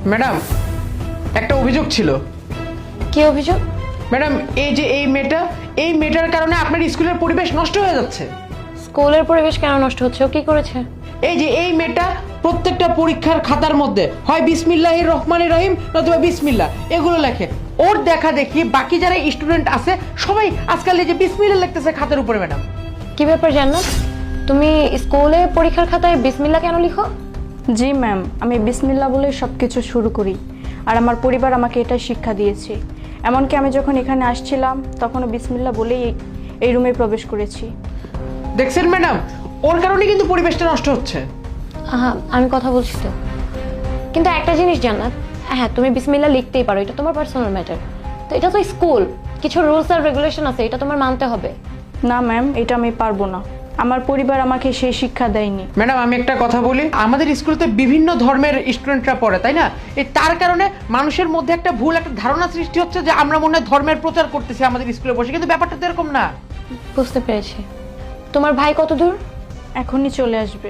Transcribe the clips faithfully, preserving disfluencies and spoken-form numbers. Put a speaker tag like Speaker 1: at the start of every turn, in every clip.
Speaker 1: Madam, একটা অভিযোগ ছিল।
Speaker 2: কি অভিযোগ?
Speaker 1: ম্যাডাম, এই যে এই মেয়েটা, এই মেয়েটার কারণে আপনার স্কুলের পরিবেশ নষ্ট হয়ে যাচ্ছে।
Speaker 2: স্কুলের পরিবেশ কেন নষ্ট হচ্ছে? ও কি করেছে?
Speaker 1: এই যে এই মেয়েটা প্রত্যেকটা পরীক্ষার খাতার মধ্যে হয় বিসমিল্লাহির রহমানির রহিম নতুবা বিসমিল্লাহ এগুলো লেখে। ওর দেখা দেখি বাকি যারা স্টুডেন্ট আছে সবাই আজকাল এই যে বিসমিল্লাহ লিখতেছে খাতার উপরে। ম্যাডাম,
Speaker 2: কি ব্যাপার জান্নাত, তুমি স্কুলে পরীক্ষার খাতায় বিসমিল্লাহ কেন লিখো?
Speaker 3: জি ম্যাম, আমি বিসমিল্লাহ বলে সব কিছু শুরু করি, আর আমার পরিবার আমাকে এটা শিক্ষা দিয়েছে। এমনকি আমি যখন এখানে আসছিলাম তখনও বিসমিল্লাহ বলেই এই রুমে প্রবেশ করেছি।
Speaker 1: দেখছেন ম্যাডাম, ওর কারণে কিন্তু পরিবেশটা নষ্ট হচ্ছে।
Speaker 2: আহা, আমি কথা বলছি তো। কিন্তু একটা জিনিস জান্নাত, হ্যাঁ তুমি বিসমিল্লাহ লিখতেই পারো, এটা তোমার পার্সোনাল ম্যাটার। তো এটা তো স্কুল, কিছু রুলস আর রেগুলেশন আছে, এটা তোমার মানতে হবে।
Speaker 3: না ম্যাম, এটা আমি পারবো না, আমার পরিবার আমাকে সেই শিক্ষা দেয়নি।
Speaker 1: ম্যাডাম, আমি একটা কথা বলি, আমাদের স্কুলেতে বিভিন্ন ধর্মের স্টুডেন্টরা পড়ে, তাই না? এই তার কারণে মানুষের মধ্যে একটা ভুল একটা ধারণা সৃষ্টি হচ্ছে যে আমরা মনে হয় ধর্মের প্রচার করতেছি আমাদের স্কুলে বসে, কিন্তু ব্যাপারটা তো এরকম না।
Speaker 2: বুঝতে পেরেছি। তোমার ভাই কত দূর?
Speaker 3: এখনই চলে আসবে।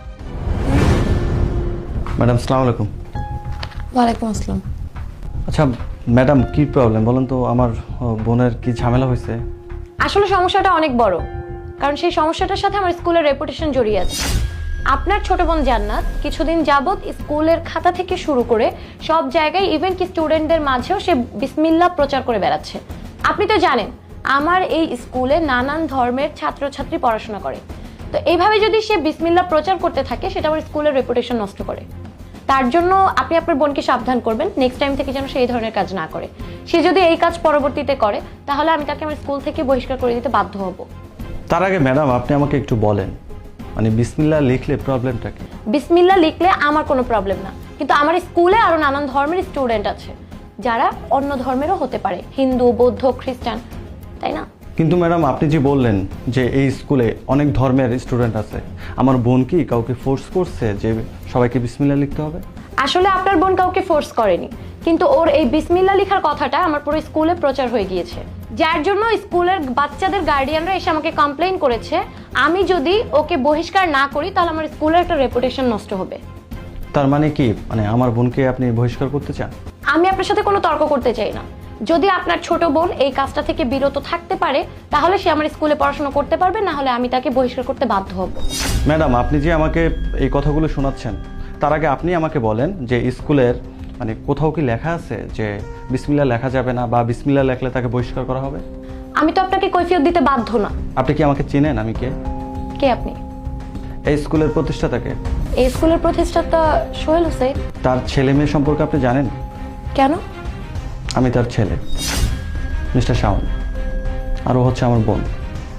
Speaker 4: ম্যাডাম আসসালামু আলাইকুম।
Speaker 2: ওয়ালাইকুম আসসালাম।
Speaker 4: আচ্ছা ম্যাডাম, কি প্রবলেম বলেন তো? আমার বোনের কি ঝামেলা হয়েছে?
Speaker 2: আসলে সমস্যাটা অনেক বড়, কারণ সেই সমস্যাটার সাথে আমার স্কুলের রেপুটেশন জড়িয়ে আছে। আপনার ছোট বোন জান্নাত কিছুদিন যাবত স্কুলের খাতা থেকে শুরু করে সব জায়গায় ইভেন কি স্টুডেন্টদের মাঝেও সে বিসমিল্লাহ প্রচার করে বেড়াচ্ছে। আপনি তো জানেন আমার এই স্কুলে নানান ধর্মের ছাত্রছাত্রী পড়াশোনা করে, তো এইভাবে যদি সে বিসমিল্লাহ প্রচার করতে থাকে সেটা আমার স্কুলের রেপুটেশন নষ্ট করে। তার জন্য আপনি আপনার বোনকে সাবধান করবেন নেক্সট টাইম থেকে যেন সে এই ধরনের কাজ না করে। সে যদি এই কাজ পরবর্তীতে করে তাহলে আমি তাকে আমার স্কুল থেকে বহিষ্কার করে দিতে বাধ্য হব।
Speaker 4: তার আগে ম্যাডাম আপনি আমাকে একটু বলেন, মানে বিসমিল্লাহ লিখলে প্রবলেমটা কি?
Speaker 2: বিসমিল্লাহ লিখলে আমার কোনো প্রবলেম না, কিন্তু আমার স্কুলে আরো নানান ধর্মের স্টুডেন্ট আছে যারা অন্য ধর্মেরও হতে পারে, হিন্দু, বৌদ্ধ, খ্রিস্টান, তাই না?
Speaker 4: কিন্তু ম্যাডাম আপনি যে বললেন যে এই স্কুলে অনেক ধর্মের স্টুডেন্ট আছে, আমার বোন কি কাউকে ফোর্স করছে যে সবাইকে বিসমিল্লাহ লিখতে হবে?
Speaker 2: আসলে আপনার বোন কাউকে ফোর্স করেনি, কিন্তু ওর এই বিসমিল্লাহ লেখার কথাটা আমার পুরো স্কুলে প্রচার হয়ে গিয়েছে, যার জন্য স্কুলের বাচ্চাদের গার্ডিয়ানরা এসে আমাকে কমপ্লেইন করেছে আমি যদি ওকে বহিষ্কার না করি তাহলে আমার স্কুলের একটা রেপুটেশন নষ্ট হবে।
Speaker 4: তার মানে কি, মানে আমার বোনকে আপনি বহিষ্কার করতে চান?
Speaker 2: আমি আপনার সাথে কোনো তর্ক করতে চাই না। যদি আপনার ছোট বোন এই কাজটা থেকে বিরত থাকতে পারে তাহলে সে আমার স্কুলে পড়াশোনা করতে পারবে, না হলে আমি তাকে বহিষ্কার করতে বাধ্য হব।
Speaker 4: ম্যাডাম আপনি যে আমাকে এই কথাগুলো শোনাচ্ছেন, তার আগে আপনি আমাকে বলেন যে স্কুলের মানে কোথাও কি লেখা আছে যে বিসমিল্লাহ লেখা যাবে না বা বিসমিল্লাহ লেখলে তাকে বহিষ্কার করা হবে?
Speaker 2: আমি তো আপনাকে কৈফিয়ত দিতে বাধ্য না।
Speaker 4: আপনি কি আমাকে চেনেন? আমি কে?
Speaker 2: কে আপনি?
Speaker 4: এই স্কুলের প্রতিষ্ঠাতাকে।
Speaker 2: এই স্কুলের প্রতিষ্ঠাতা সোহেল হোসেন।
Speaker 4: তার ছেলে মেয়ে সম্পর্কে আপনি জানেন?
Speaker 2: কেন?
Speaker 4: আমি তার ছেলে মিস্টার শাওন, আর ও হচ্ছে আমার বোন।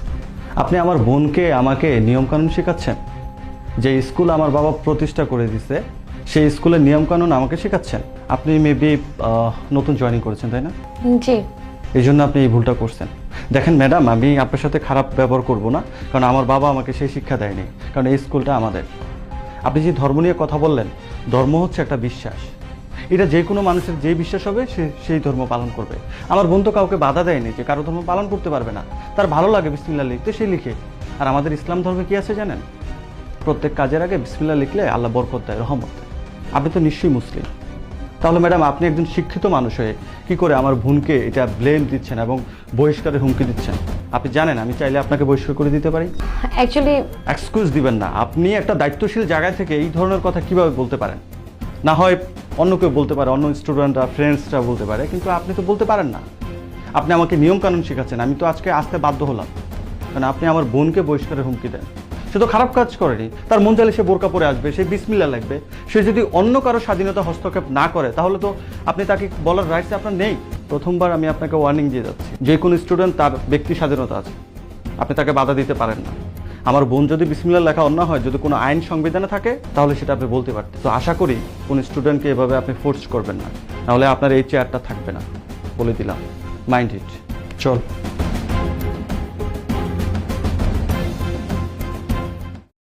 Speaker 4: আপনি আমার বোনকে আমাকে নিয়মকানুন শেখাচ্ছেন? যে স্কুল আমার বাবা প্রতিষ্ঠা করে দিছে সেই স্কুলের নিয়মকানুন আমাকে শেখাচ্ছেন? আপনি মেবি নতুন জয়েনিং করেছেন, তাই না?
Speaker 2: জি।
Speaker 4: এই জন্য আপনি এই ভুলটা করছেন। দেখেন ম্যাডাম, আমি আপনার সাথে খারাপ ব্যবহার করব না, কারণ আমার বাবা আমাকে সেই শিক্ষা দেয়নি, কারণ এই স্কুলটা আমাদের। আপনি যে ধর্ম নিয়ে কথা বললেন, ধর্ম হচ্ছে একটা বিশ্বাস, এটা যে কোনো মানুষের যে বিশ্বাস হবে সে সেই ধর্ম পালন করবে। আমার বোন তো কাউকে বাধা দেয়নি যে কারো ধর্ম পালন করতে পারবে না, তার ভালো লাগে বিসমিল্লাহ লিখতে সে লিখে। আর আমাদের ইসলাম ধর্মে কি আছে জানেন? প্রত্যেক কাজের আগে বিসমিল্লাহ লিখলে আল্লাহ বরকত দেয়, রহমত দেয়। আপনি তো নিশ্চয়ই মুসলিম, তাহলে ম্যাডাম আপনি একজন শিক্ষিত মানুষ হয়ে কী করে আমার বোনকে এটা ব্লেম দিচ্ছেন এবং বহিষ্কারের হুমকি দিচ্ছেন? আপনি জানেন আমি চাইলে আপনাকে বহিষ্কার করে দিতে পারি।
Speaker 2: অ্যাকচুয়ালি
Speaker 4: এক্সকিউজ দিবেন না, আপনি একটা দায়িত্বশীল জায়গা থেকে এই ধরনের কথা কিভাবে বলতে পারেন? না হয় অন্য কেউ বলতে পারে, অন্য স্টুডেন্টরা, ফ্রেন্ডসরা বলতে পারে, কিন্তু আপনি তো বলতে পারেন না। আপনি আমাকে নিয়মকানুন শেখাচ্ছেন, আমি তো আজকে আসতে বাধ্য হলাম, কারণ আপনি আমার বোনকে বহিষ্কারের হুমকি দেন। সে তো খারাপ কাজ করেনি, তার মন চাইলে সে বোরকা পরে আসবে, সে বিসমিল্লাহ লাগবে। সে যদি অন্য কারো স্বাধীনতা হস্তক্ষেপ না করে তাহলে তো আপনি তাকে বলার রাইটস আপনার নেই। প্রথমবার আমি আপনাকে ওয়ার্নিং দিয়ে যাচ্ছি, যে কোনো স্টুডেন্ট তার ব্যক্তি স্বাধীনতা আছে, আপনি তাকে বাধা দিতে পারেন না। আমার বোন যদি বিসমিল্লাহ লেখা অন্য হয়, যদি কোনো আইন সংবিধানে থাকে তাহলে সেটা আপনি বলতে পারতেন। তো আশা করি কোন স্টুডেন্টকে এভাবে আপনি ফোর্স করবেন না, নাহলে আপনার এই চেয়ারটা থাকবে না, বলে দিলাম। Mind it. চল।